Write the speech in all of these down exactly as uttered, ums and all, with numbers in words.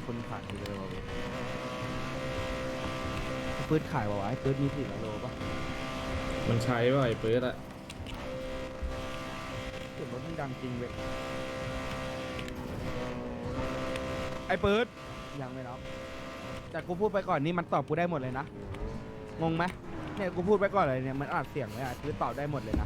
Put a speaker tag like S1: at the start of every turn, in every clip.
S1: คนขายเลยวะปืนขายวะไอ้ปืนมีสี่โลปะ
S2: มันใช้ป่ะไอ้เปิดอะ
S1: เสียงรถมันดังจริงเว้ยไอ้ปืนยังไม่รับแต่กูพูดไปก่อนนี่มันตอบกูได้หมดเลยนะงงไหมเนี่ยกูพูดไปก่อนเลยเนี่ยมันอัดเสียงเลยอ่ะปืนตอบได้หมดเลยนะ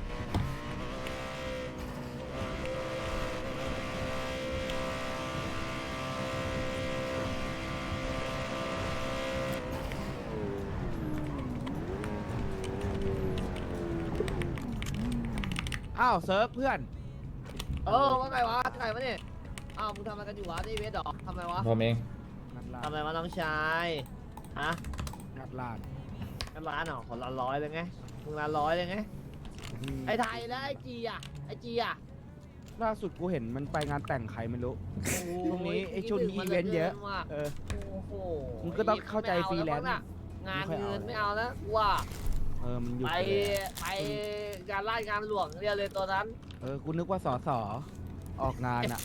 S1: อ้าวเซิร์ฟเพื่อน
S3: เออว่าไงวะไงวะเนี่ยอ้าวมึงทำอะไรกันอยู่วะนี่เวทหรอทำไมวะ
S2: ผมเอง
S1: งัดร้าน
S3: ทำอะไรวะน้องชายฮะ
S1: งัดร้าน
S3: กันร้านเหรอคนละร้อยเลยไงมึงละร้อยเลยไงไอ้ไทยแล้วไอ้จีอ่ะไอ้จีอ่ะ
S1: ล่าสุดกูเห็นมันไปงานแต่งใครไม่รู้ ช่วงนี้ไอ้ช่วงนี้
S3: คิด
S1: อีเวนต์เยอะ
S3: ถึงมัหลืกินว่
S1: เออ
S3: โอ้โห
S1: มึงก็ต้องเข้าใจฟรีแลนซ์
S3: ไม่เอางานเงินไม่เอาแล้วว่า
S1: เออมันหยุด
S3: ไป
S1: ไปแล้ว
S3: ไปงานราชการหลวงเรียกเลยตัวนั้น
S1: เออกูนึกว่าสอสอออกงานอ่ะ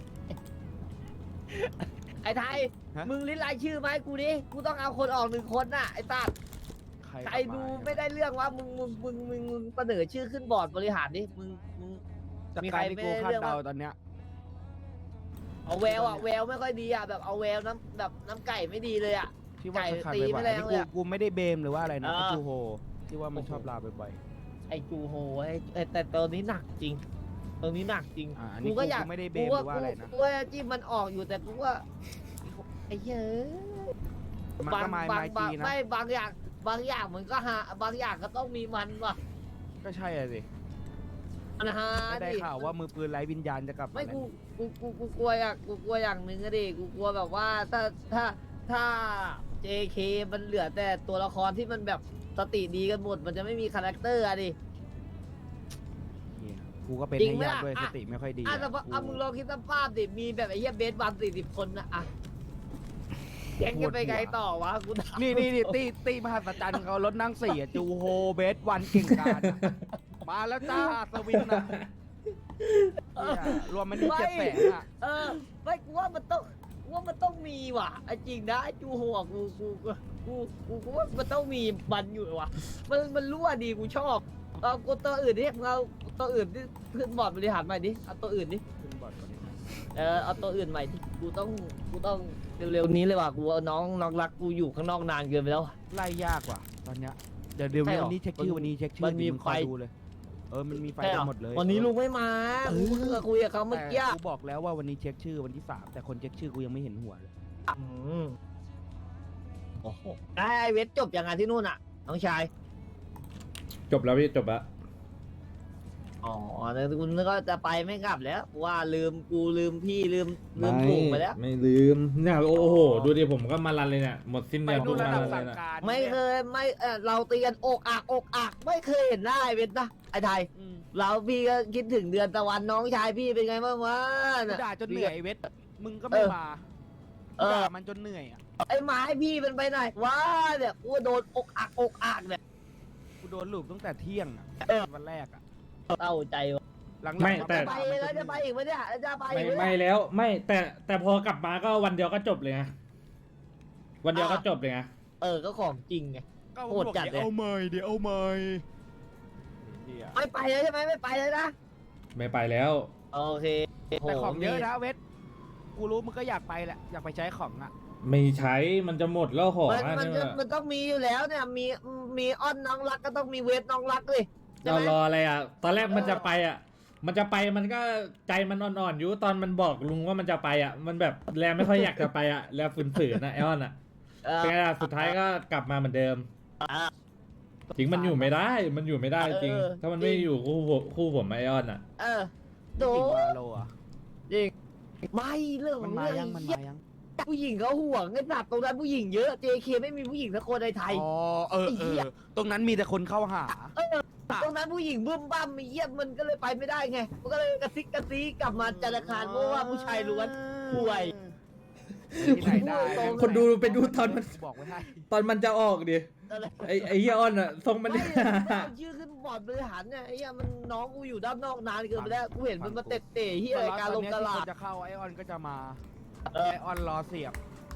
S3: ไอ้ไทย
S1: ฮะ
S3: มึงลิ้นรายชื่อไหมาให้กูดิกูต้องเอาคนออกหนึ่งคนน่ะไอ้ตัด
S1: ใคร
S3: ใครดูไม่ได้เรื่องว่ามึงมึงมึงมึงมึงเสนอชื่อขึ้นบอร์ดบริหารดิมึงมึง
S1: จาก
S3: มีใค
S1: การ รที่กูคาด
S3: ไม่ได้เรื่อง
S1: เดา
S3: ว่า
S1: ตอนเนี้ย
S3: เอาแววอ่ะแววไม่ค่อยดีอ่ะแบบเอาแววน้ำแบบน้ำไก่ไม่ดีเลยอ่ะ
S1: ที่ว่า
S3: ไก่
S1: ขาด
S3: ตี
S1: ไป
S3: ไม่
S1: บ่อย
S3: แร
S1: อัน
S3: ง
S1: นี้
S3: เลย
S1: กู
S3: อะ
S1: กูไม่ได้เบมหรือว่าอะไรนะ
S3: เออ
S1: ไอ้จูโฮที่ว่ามันชอบลาบ่อย
S3: ไอ้จูโฮไอ้ไอ้แต่ตัวนี้หนักจริงตัวนี้หนักจริง
S1: ๆอ่าอันนี้
S3: กู
S1: กู
S3: ก็อยาก
S1: กูไม่ได้เบ
S3: กู
S1: มห
S3: ว่า
S1: รือว่าอะไรนะ
S3: กูว่าจิ้มมันออกอยู่แต่กูว่าไอ้เหี้ย
S1: มัน
S3: บาง
S1: ก็มา
S3: บาง
S1: ไม้
S3: บา
S1: จี
S3: ง
S1: นะ
S3: ไม่บางอย่างบางอย่างมันก็หาบางอย่างก็ต้องมีมันว่ะ
S1: ก็ใช่อะสิ
S3: มันหา
S1: ไม่ได้
S3: ดิ
S1: ข่าวว่ามือปืนไร้วิญญาณจะกลับา
S3: ไม่
S1: แล้ว
S3: กูกูกูกูกลัวอย่างกูกลัวอย่างหนึ่งอะดิกูกลัวแบบว่าถ้าถ้าถ้า เจ เค มันเหลือแต่ตัวละครที่มันแบบสติดีกันหมดมันจะไม่มีคาแรคเตอร์อะดิ
S1: เหี้ยกูก็เป็น
S3: จริง
S1: ให้
S3: ไหม
S1: ญาติ
S3: ล่ะ
S1: ด้วยส
S3: อ่ะ
S1: ติไม่ค่อยดี
S3: อ่ะ
S1: อะ
S3: แต่ว่า
S1: กู
S3: อ่ะมึงลองคิดสภาพดิมีแบบไอ้เหี้ยเบสวันสี่สิบคนนะอ่ะแก๊งจะไปไงต่อวะกูถาม
S1: นี่นี่นี่ตีตีมหัศจรรย์เขารถนั่งสี่อะจูโฮเบสวันเก่งกาจอะมาแล้วจ้าสวินอะเนี่ยรวมมันนี่เจ็ดแสนอะ
S3: เออไม่กูว่ามันต้องกูว่ามันต้องมีว่ะไอ้จริงนะไอ้จูหัวกูกูกูกูกูกูว่ามันต้องมีมันอยู่ว่ะมันมันรั่วดีกูชอบเอากูตัวอื่นดิมึงเอาตัวอื่นที่ขึ้นบอร์ดบริหารใหม่ดิเอาตัวอื่นดิ
S1: ขึ้นบอร์ดก่อนดิ
S3: เออเอาตัวอื่นใหม่ดิกูต้องกูต้องเร็วๆนี้เลยว่ะกูเอาน้องน้องรักกูอยู่ข้างนอกนานเกินไปแล้ว
S1: ไล่ยากว่ะตอนเนี้ยเดี๋ยวเดี๋ยว
S3: ใช่เหรอ
S1: วันนี้เช็คชื่อวันนี้เช็คชื่อ
S3: มันมี
S1: ดิงคอย
S3: ไฟ
S1: ดูเลยเออมันมีไฟ
S3: ใช่เหร
S1: กั
S3: อน
S1: หมดเลย
S3: วันนี้ลุง
S1: เออ
S3: ไม่มากูเพิ่งจะคุยกับเขาเมื่อกี้
S1: แต่กูบอกแล้วว่าวันนี้เช็คชื่อวันที่สามแต่คนเช็คชื่อกูยังไม่เห็นหัวเลย
S3: อืมโอ้โหไอ้เวทจบยังไงที่นู่นอ่ะ น้องชาย
S2: จบแล้วพี่จบแล้ว
S3: อ๋อแต่คุณก็จะไปไม่กลับแล้วว่าลืมกูลืมพี่ลืมลืมถูกไปแล้ว
S2: ไม่ลืมเนี่ยโอ้โห
S3: อ๋อ
S2: ดูดิผมก็มารันเลยเนี่ยหมดสิ้น
S1: ไป
S2: เดือน
S1: ดู
S2: ปุ๊บ
S1: ระ
S2: มา
S1: ดับ
S2: รันเล
S1: สั่
S2: ย
S1: ง
S2: นะ
S1: การ
S3: ไม่เคยไม่เออเราตีกันอกอักอกอักไม่เคยเห็นหน้าไอ้เวทนะไอ้ไทย
S1: อืม
S3: เราพี่ก็คิดถึงเดือนตะวันน้องชายพี่เป็นไงบ้างวะ
S1: กู
S3: น่ะ
S1: ด่าจนเหนื่อยไอ้เวทมึงก็ไม่
S3: เออ
S1: มา
S3: เออ
S1: ด่ามันจนเหนื่อยอ่ะ
S3: ไอ้หมาให้พี่เป็นไปไหนวะเนี่ยกูโดนอกอักอกอักเนี่ย
S1: กูโดนลูบตั้งแต่เที่ยงอ่ะ
S3: เออ
S1: วันแรกอ่ะ
S3: เต้าใจวะ
S1: หลังๆ
S2: ไม่
S1: มา
S2: แต่
S3: ไป
S1: ด่ามัน
S3: แล้ว
S1: น
S3: จะไปอีกไหมเนี่ยจะไป
S2: ไม่
S3: อีกไหม
S2: ไม่
S3: เนี่ย
S2: แล้วไม่แต่แต่พอกลับมาก็วันเดียวก็จบเลยไงวันเดียวก็จบเลยไง
S3: เออก็ของจริงไง
S1: ก็
S3: โหดจัดเลย
S1: เดี๋ยวเอาใหม่เดี๋ยวเอาใหม่เหี้ย
S3: ไม่ไปแล้วใช่ไหมไม่ไปเลยนะ
S2: ไม่ไปแล้ว
S3: โอเค
S1: แต่ของเยอะนะเวทกูรู้มึงก็อยากไปแหละอยากไปใช้ของอ่ะ
S2: ไม่ใช้มันจะหมดแล้วของ
S3: มัน
S2: อ่ะ
S3: มัน
S2: เนี่ย
S3: มันต้องมีอยู่แล้วเนี่ยมีมีอ้อนน้องรักก็ต้องมีเวทน้องรักเลยใช่
S2: เรา
S3: ไหม
S2: รออะไรอ่ะ ตอนแรกมัน
S3: เออ
S2: จะไปอ่ะ มันจะไปมันก็ใจมันอ่อนๆอยู่ตอนมันบอกลุงว่ามันจะไปอ่ะ มันแบบแลไม่ค่อยอยากจะไปอ่ะแลฝืนๆนะไอออนอ่ะ
S3: เออ
S2: เป็นไงล่ะสุดท้ายก็กลับมาเหมือนเดิม
S3: อ่ะ
S2: จริงมันอยู่ไม่ได้ มันอยู่ไม่ได้จริง
S3: เออ
S2: ถ้ามันไม่
S3: จริง
S2: อยู่คู่ผมคู่ผมไอออนอ่ะ
S3: เออโด
S1: จริงวาโลอ่ะ
S3: จริงไม่เรื่องข
S1: มั
S3: อน ง
S1: มา
S3: เรื่อง
S1: ยังมัน
S3: เหี้ย
S1: มายัง
S3: ผู้หญิงเขาห่วงไอ้สัตว์ตรงนั้นผู้หญิงเยอะ เจ เค ไม่มีผู้หญิงสักคนในไทย
S1: อ๋อเออ
S3: ไอ้
S1: เอ
S3: เหี้ย
S1: อตรงนั้นมีแต่คนเข้าหา
S3: ตรงนั้นผู้หญิงบึ้มบ้ามมีเยี่ยมมันก็เลยไปไม่ได้ไงมันก็เลยกระซิกกระซีกลับมาจันทร์อังคารเพราะว่าผู้ชายล้วน ป่วย
S1: ที่ไหนได้
S3: ตรง
S2: คนดูไปดูตอนมัน
S1: บอกไว้ให้
S2: ตอนมันจะออกดิ
S3: อะไร
S2: ไอไอเฮียออนอ่ะทรงมัน
S3: ไม่ไม่เอาชื่อขึ้นบอร์ดบริหารเนี่ยไอ้เหี้ยมันน้องกูอยู่ด้านนอกนานเกินไปแล้วกูเห็นมันมาเตะเตะเหี้ยอะไรการลงตลาด
S1: จะเข้าไอออนก็จะมา
S3: เออ
S1: ไอออนรอเสียบ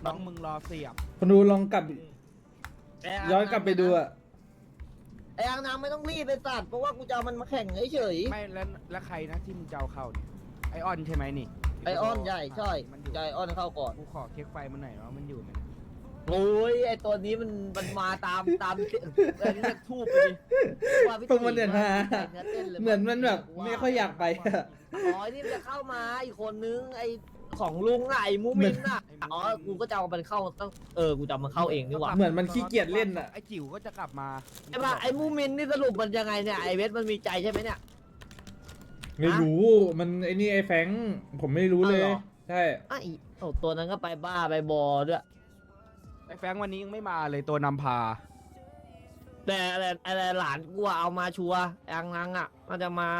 S1: น้องมึงรอเสียบ
S2: คนดูลองกลับ
S3: แต่
S2: ย้อนกลับไปดูอะ
S3: ไอ้อังนางไม่ต้องรีบไปสัตว์เพราะว่ากูจะเอามันมาแข่งเฉย
S1: ไม่แล้วแล้วใครนะที่มึงจะเอาเข้าเนี่ยไอออนใช่ไหมนี่
S3: ๆไอออนใหญ่ใช่
S1: มันอยู่
S3: ใหญ่ออนเข้าก่อน
S1: กูขอเช็คไฟมันหน่อยว่ามันอยู่ไหม
S3: โอ้ยไอตัวนี้มันมันมาตามตามเรียกทูบไปดิว่าพี่
S2: พวกมันเนี่ยนะ
S3: เต้นลย
S2: เหมือนมันแบบไม่ค่อยอยากไปอะ
S3: อ๋อนี่มันจะเข้ามาอีกคนนึงไอของลุงอะไอมูมินอะอ๋อกูก็จะเอามันเข้าตั้งเออกูจะเอามันเข้าเองดีกว่า
S2: เหมือนมันขี้เกียจเล่นอะ
S1: ไอจิ๋วก็จะกลับมา
S3: ไอ้บ้าไอมูมินนี่สรุปมันยังไงเนี่ยไอเวสมันมีใจใช่ไหมเนี่ย
S2: ไม่รู้ มันไอ้นี่ไอ้แฟงค์ผมไม่รู้เลย
S3: อ้าวเหรอ
S2: ใช่
S3: ไอโอ้ตัวนั้นก็ไปบ้าไปบอด้วย
S1: ไอแฟรงค์วันนี้ยังไม่มาเลยตัวนำพา
S3: แต่อะไรอะไรหลานกูอะเอามาชัวร์อังนังอ่ะมันจะมา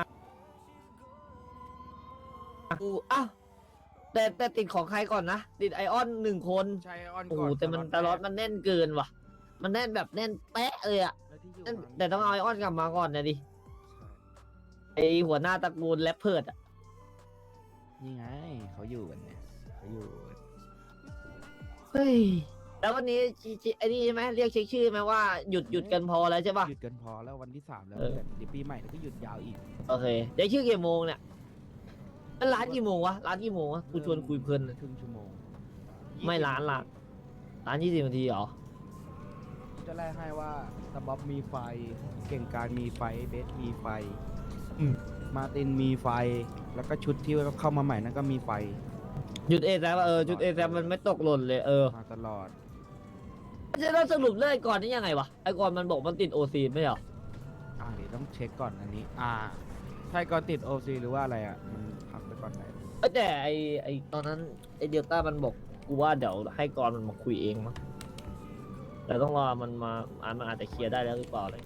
S3: กูอ้าวแต่แต่ติดของใครก่อนนะติดไอออนหนึ่งคน
S1: ใช่ออน
S3: โอ้
S1: ก่
S3: โห
S1: อน
S3: แต่มันตลอดมันแน่นเกินว่ะ มันแน่นแบบแน่นแป๊ะเลยอ่ะ
S1: แล้วที่อยู่
S3: แน่น
S1: ข้าง
S3: แต่ต้องเอาไอออนกลับมาก่อนนะดิไอหัวหน้าตระกูลแรปเพิร์ดอ่ะ
S1: นี่ไงเขาอยู่กันเนี่ยเขาอยู่กัน
S3: เฮ้ยแล้ววันนี้จิจิไอ้นี่ใช่ไหมเรียกเช็คชื่อไหมว่าหยุดหยุดกันพอแล้วใช่ป่ะ
S1: หยุดกันพอแล้ววันที่สามแล้ว
S3: เออ
S1: เดี๋ยวปีใหม่แล้วก็หยุดยาวอีก
S3: โอเคเดี๋ยวชื่อกี่โมงเนี่ยมันร้านกี่โมงวะร้านกี่โมงวะกูชวนคุยเพลินเลย
S1: ครึ่งชั่วโมง
S3: ไม่ร้านละร้านยี่สิบนาทีเหรอ
S1: จะไล่ให้ว่าสบ๊อบมีไฟ เก่งการมีไฟเบสมีไฟ
S2: อืม
S1: มาร์ตินมีไฟ แล้วก็ชุดที่เข้ามาใหม่นั่นก็มีไฟ
S3: จุดเอแซมเออจุดเอแซมมันไม่ตกหล่นเลยเออ
S1: มาตลอด
S3: จะต้องสรุปเรื่องไอ้ก่อนนี่ยังไงวะไอ้ก่อนมันบอกมันติดโอซีไม่เหรอ
S1: อ่าเดี๋ยวต้องเช็คก่อนอันนี้ อ่าใช่ก่อนติดโอซีหรือว่าอะไรอ่ะ มันพักไปก่อนไหน
S3: เอ้ยแต่ไอ้ไอ้ตอนนั้นไอ้เดลต้ามันบอกกูว่าเดี๋ยวให้ก่อนมันมาคุยเองมั้งแต่ต้องรอมันมาอ่านมันอาจจะเคลียร์ได้แล้วหรือเปล่าเลย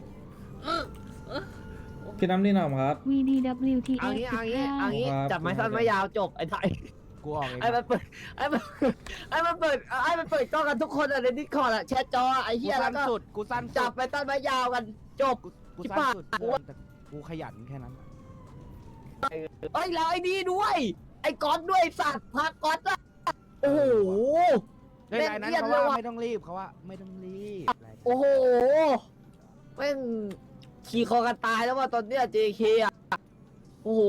S2: พี่น้ำนี่หน่อยครับ
S4: วี ดี ดับเบิลยู ที
S3: เอา
S4: เอส
S3: งี้
S4: สิ
S3: เอา
S4: บ
S3: งี้
S4: เก้า
S3: เอางี้
S2: ครับ
S3: จับไม้สั้นไม้ยาวจบไอ้ไทย
S1: กูออกเอง
S3: ไอ้มันเปิดไอ้มันไอ้มันเปิดไอ้มันเปิดกล้องกันทุกคนอะในดิสคอร์ดอะแชทจออะไอ้
S1: กู
S3: เหี้ยแล้
S1: สั้
S3: วน ก็
S1: สุด กูสั้น
S3: จั
S1: สุ
S3: บ
S1: ด
S3: ไปต้นไม้ยาวกันจบ
S1: กู
S3: ที่
S1: สั้น
S3: ปาก
S1: สุด
S3: กูว่า
S1: แต่กูขยันแค่นั้น
S3: เอ้ยแล้วไอ้นี่ด้วย ไอ้ก๊อตด้วยสัตว์พาก๊อตอะโอ้โห
S1: ในรายนั้น
S3: เล่น
S1: เขา
S3: เอียดเลย
S1: ว่า
S3: ว่ะ
S1: ไม่ต้องรีบเขาว่าไม่ต้องรีบอะไร
S3: โอ้โหแม่งขี่คอกันตายแล้วว่าตอนเนี้ย เจ เค อ่ะ โอ้โห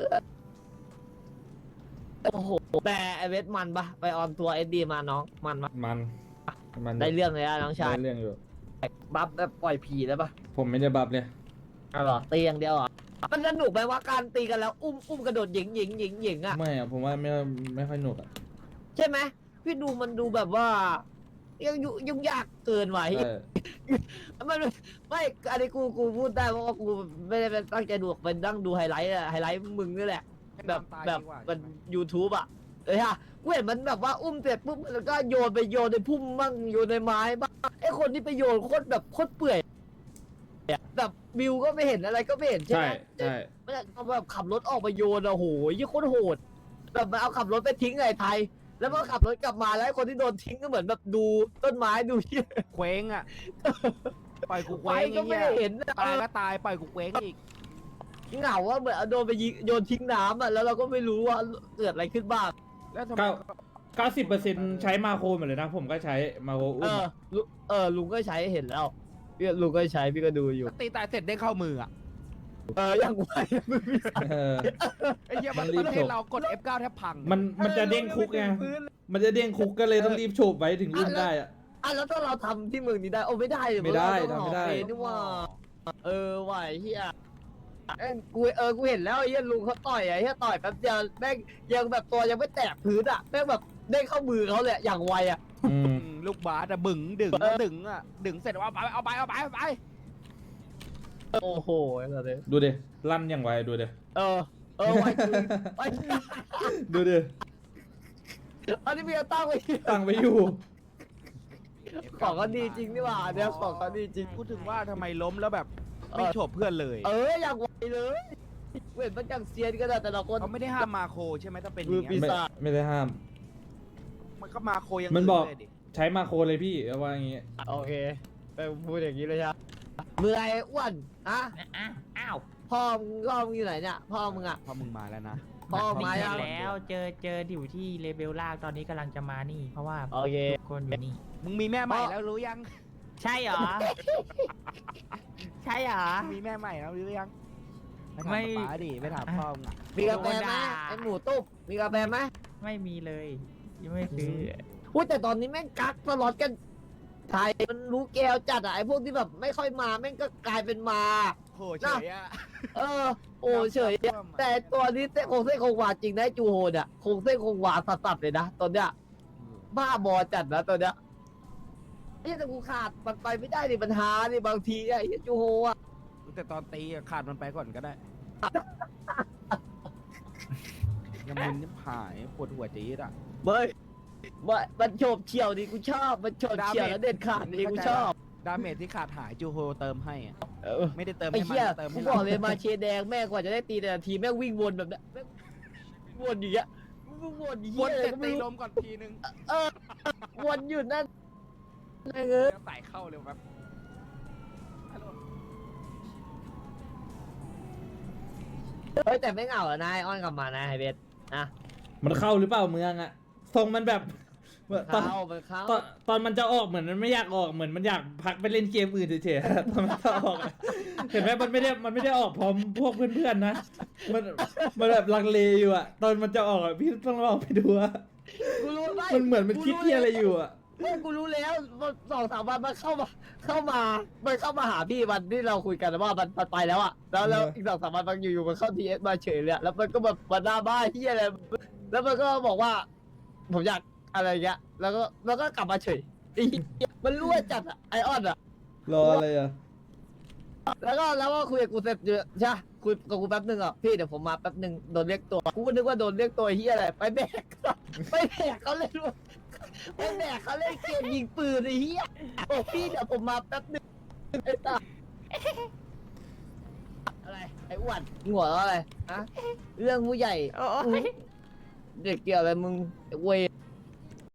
S3: โอ้โห แต่ไอเวทมันปะไปออนทัวร์เอสดีมาน้อง มันปะ
S2: มัน มัน
S3: ได้เรื่องเลยอะน้องชาย
S2: ได้เรื่องอยู่
S3: บัฟแบบปล่อยผีแล้วปะ
S2: ผมไม่ได้บัฟเลย
S3: อ๋อเหรอตีอย่างเดียวเหรอ มันสนุกไหมว่าการตีกันแล้วอุ้มอุ้มกระโดดหยิงหยิงหยิงหยิงอ่ะ
S2: ไม่อะผมว่าไม่ไม่ค่อยหนุกอะ
S3: ใช่ไหมพี่ดูมันดูแบบว่า ยังยุ่งยุ่งยากเกินไหว
S2: ใช่
S3: มันไม่อันนี้กูกูพูดได้เพราะว่ากูไม่ได้เป็นตั้งใจดูเป็นนั่งดูไฮไลท์อะไฮไลท์มึงนี่แหละ แบบ
S1: ตาย
S3: แบบ
S1: ดีกว่า
S3: มัน
S1: ใช่ไหม
S3: YouTube อ่ะเอ้ยฮะกูเห็นมันแบบว่าอุ้มเสร็จปุ๊บแล้วก็โยนไปโยนในพุ่มบ้างโยนในไม้บ้างไอ้คนที่ไปโยนโคตรแบบโคตรเปื่อยแบบวิวก็ไม่เห็นอะไรก็ไม่เห็นใช่
S2: ใช่
S3: ไหม
S2: ใช่
S3: มันเอาแบบขับรถออกมาโยนอะโหยี่โคตรโหดแบบมันเอาขับรถไปทิ้งไอ้ไทย แล้วพอขับรถกลับมาแล้วไอ้คนที่โดนทิ้งก็เหมือนแบบดูต้นไม้ดูเหี้ย
S1: เคว้งอ่ะ ปล่อยกูเค
S3: ไฟ
S1: ว้ง
S3: ก็
S1: ไอ้
S3: ไม่
S1: เงี้ย
S3: ได้เห็นอะ
S1: ตายก็ตายปล่อยกูเคว้งอีก
S3: เหงาว่าเหมือนเอาโดนไปยิงโยนทิ้งน้ำอะแล้วเราก็ไม่รู้ว่าเกิดอะไรขึ้นบ้าง
S1: แล้วทำไม
S2: เก้าเก้าสิบเปอร์เซ็นต์ใช้มาโครหมดเลยนะ ผมก็ใช้มาโคร
S3: เอ
S2: อุ้ม
S3: อลุเออลุงก็ใช้เห็นแล้วพี่ลุงก็ใช้พี่ก็ดูอยู่
S1: ตีตายเสร็จได้เข้ามืออ่ะ
S3: เออยังไวมึงมีสาย
S2: เออ
S1: ไอ้เหี้ย
S2: มั
S1: มัน
S2: นรีบ
S1: ประเท
S2: จ
S1: ศ
S2: บ
S1: เรากด เอฟ เก้า แทบพัง
S2: มันมันจะเด้งคุกไง มันจะเด้งคุกก็เลยต้องรีบโฉบไว้ถึงอุ้มได้อะ
S3: อ่ะแล้วถ้าเราทำที่เมืองนี้ได้โอ้ไม่ได้เลย
S2: ไม่ได้
S3: เราต้อง
S2: ทำไม่ได้
S3: ออกเองนี่ว่าเออไหวเฮียเอ้ยกูเออกูเห็นแล้วไอ้เฮียลุงเขาต่อยไอ้เฮียต่อยแป๊บเดียวแม่งยังแบบตัวยังไม่แตะพื้นอ่ะแม่งแบบเด้งเข้ามือเขาเลยอะอย่างไวอ่ะ
S2: อืม
S1: อืมลูกบาสอะบึ๋งดึง
S3: เออ
S1: ดึงอ่ะดึงเสร็จเอาไปเอาไปเอาไปเอาไป
S3: โอ้โหไอ้สัสเลย
S2: ดูดิลั่นอย่างไวดูดิ
S3: เออเออไวจริงไวจริง
S2: ดูดิ
S3: อันนี้มีเอาตั้งไว้
S2: ตั้งไว้อยู่
S3: ของก็ดีจริงนี่หว่าเนี่ยของก็ดีจริง
S1: พูดถึงว่าทำไมล้มแล้วแบบไม่โฉบเพื่อนเลย
S3: เอออย่างไวเลยเห็นมันอย่างเซียนก็ได้แต่ละคน
S1: เขาไม่ได้ห้ามมาโคใช่ไหมถ้าเป็นอ
S3: มือย่าง ปี
S1: เงี้ย
S3: ศาจ
S2: ไม่ไม่ได้ห้าม
S1: มันก็มาโคยัง
S2: มันบอก
S1: เลยดิ
S2: ใช้มาโครเลยพี่เอาว่าอย่างงี้
S3: โอเคไปพูดอย่างนี้เลยใช่ไหมเมื่อยอ้วนอะอ้าวพ่อมึงพ่อมึงอยู่ไหนเนี่ยพ่อมึงอะ
S1: พอมึงมาแล้วนะ
S3: พ่อ
S4: มี
S3: มา
S4: เจ
S3: ยั
S4: อง แล้วเจอเจออยู่ที่เลเวลล่างตอนนี้กำลังจะมานี่ เพราะว่า
S3: โอเค
S4: ทุกคนอยู่นี่
S1: มึงมีแม่ใหม่แล้วรู้ยัง
S4: ใช่เหรอ ใช่เหรอ
S1: มึงมีแม่ใหม่แล้วรู้ยังไปถาม
S4: ไม่
S1: ป๊าดิไปถามพ่อมึงอะ
S3: มีกาแฟไหม
S4: โดนด่า
S3: ไอหมูตุ๊บมีกาแฟไหม
S4: ไม่มีเลย ยังไม่ซื้อ
S3: อุ้ยแต่ตอนนี้แม่งกักสล็อตกันไทยมันรู้แก้วจัดอะไอพวกที่แบบไม่ค่อยมาแม่งก็กลายเป็นมา
S1: โหเฉยอะ
S3: เออ โอ้เฉยอะแต่ตัวนี้เส้นคงเส้นคงวาจริงนะไอ้จูโฮนอะคงเส้นคงวาสัสๆเลยนะตอนเนี้ยบ้าบอจัดนะตอนเนี้ยไอ้แต่กูขาดมันไปไม่ได้ดิปัญหาดิบางทีไอ้เหี้ยจูโฮอะ
S1: แต่ตอนตีอะขาดมันไปก่อนก็ได้ ยังมึนยังหายปวดหัวจี๊ดอ่ะ
S3: เบ้ยมันมันโฉบเฉี่ยวดิกูชอบมันโฉบเฉี่ยวแล้วเด็ดขาดดิกูชอบ
S1: ดาเมจที่ขาดหายจูโฮเติมให้อะ
S3: เออ
S1: ไม่ได้เติม
S3: ไอ้
S1: ให้มัน
S3: เหี้ย
S1: เติม
S3: กู
S1: ให้
S3: บอก
S1: เรา
S3: เลยมาเชแดงแม่กว่าจะได้ตีแต่ละทีแม่งวิ่งวนแบบเนี้ยแม่งวนอย่างเงี้ยวิ่งวนอย่าง
S1: ว
S3: เงี้
S1: น
S3: ย
S1: เสร็จ
S3: ก็
S1: ตี
S3: ไม่รู้
S1: ลมก่อนทีนึง
S3: เออวนอยู่นั่นเออ
S1: แล้วไต่เข้าเร็วแบบฮัลโหล
S3: เฮ้ยแต่ไม่เหงาอะนายอ้อนกลับมานะไฮเบสนะ
S2: มันเข้าหรือเปล่าเมืองอะทรงมันแบบตอน
S3: เข้ามันเข้า
S2: ตอนตอนมันจะออกเหมือนมันไม่อยากออกเหมือนมันอยากพักไปเล่นเกมอื่นเฉยๆ ตอนมันจะออกอะเห็นไหมมันไม่ได้มันไม่ได้ออกพร้อมพวกเพื่อนๆนะมันมันแบบลังเลอยู่อะตอนมันจะออกอะพี่ต้องลองไปดูอะ
S3: กูรู้ไหม
S2: มันเหมือนมันคิดที่อะไรอยู่อะ
S3: เฮ้ยกูรู้แล้วมันสองสามวันมันเข้ามาเข้ามามันเข้ามาหาพี่วันที่เราคุยกันว่ามันมันไปแล้วอะแล้วแล้วอีกสองสามวันมันอยู่ๆมันเข้าทีเอสมาเฉยเลยอะแล้วมันก็แบบมาหน้าบ้าที่อะไรแล้วมันก็บอกว่า ผมอยากอะไรเงี้ยแล้วก็แล้วก็กลับมาเฉยไอ้เหี้ยมันรั่วจัดอะไอออนอะ
S2: รออะไรอะ
S3: แล้วก็แล้วก็คุยกับกูเสร็จเยอะใช่ปะคุยกับกูแป๊บนึงอ่ะพี่เดี๋ยวผมมาแป๊บนึงโดนเรียกตัวกูก็นึกว่าโดนเรียกตัวเฮียอะไรไปแบก ไปแบกเขาเล่นไปแบกเขาเล่นเกมยิงปืนไอ้เฮียบอกพี่เดี๋ยวผมมาแป๊บนึงไอ้ตาอะไรไอ้อ้วนมึงหัวเราะอะไรฮะเรื่องผู้ใหญ่
S4: โอ้ย
S3: เด็กเกี่ยวอะไรมึงไอ้เวย